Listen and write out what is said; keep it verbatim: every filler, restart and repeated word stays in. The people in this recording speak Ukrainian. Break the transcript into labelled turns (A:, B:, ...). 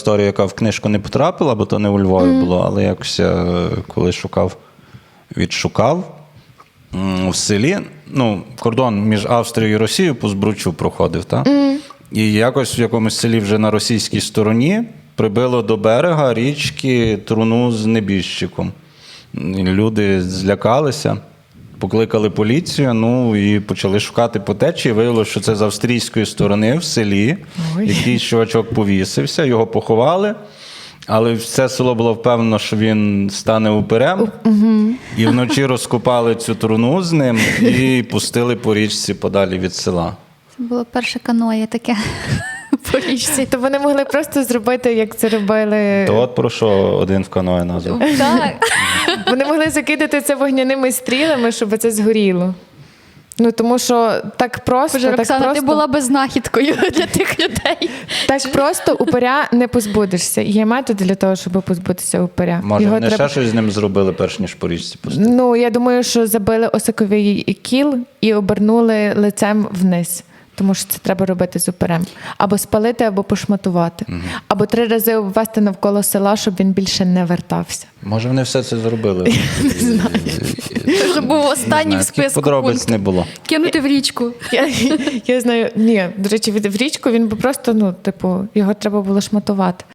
A: історія, яка в книжку не потрапила, бо то не у Львові mm. було, але якось я, коли шукав, відшукав. В селі, ну, кордон між Австрією і Росією по Збручу проходив, так? Mm. І якось в якомусь селі вже на російській стороні прибило до берега річки труну з небіжчиком. Люди злякалися, покликали поліцію, ну і почали шукати по течії. Виявилося, що це з австрійської сторони в селі. Ой. Якийсь чувачок повісився, його поховали. Але все село було впевнено, що він стане упирем. Угу. І вночі розкопали цю труну з ним і пустили по річці подалі від села.
B: Це було перше каноє таке по річці.
C: То вони могли просто зробити, як це робили...
A: То от про що один в каное назвав.
B: Так.
C: Вони могли закидати це вогняними стрілами, щоб це згоріло. Ну, тому що так просто...
B: Боже,
C: так
B: Роксана,
C: просто,
B: ти була би знахідкою для тих людей.
C: Так просто упиря не позбудешся. Є методи для того, щоб позбутися упиря.
A: Може,
C: Його
A: вони
C: треба...
A: ще щось з ним зробили, перш ніж по річці пустили?
C: Ну, я думаю, що забили осиковий кіл і обернули лицем вниз. Тому що це треба робити з упирем. Або спалити, або пошматувати. Угу. Або три рази обвести навколо села, щоб він більше не вертався.
A: Може, вони все це зробили?
C: Не знаю.
B: Це був останній в списку
A: подробиць
B: пункт.
A: не було.
B: Кинути в річку.
C: Я, я знаю, ні, до речі, в річку він би просто, ну, типу, його треба було шматувати.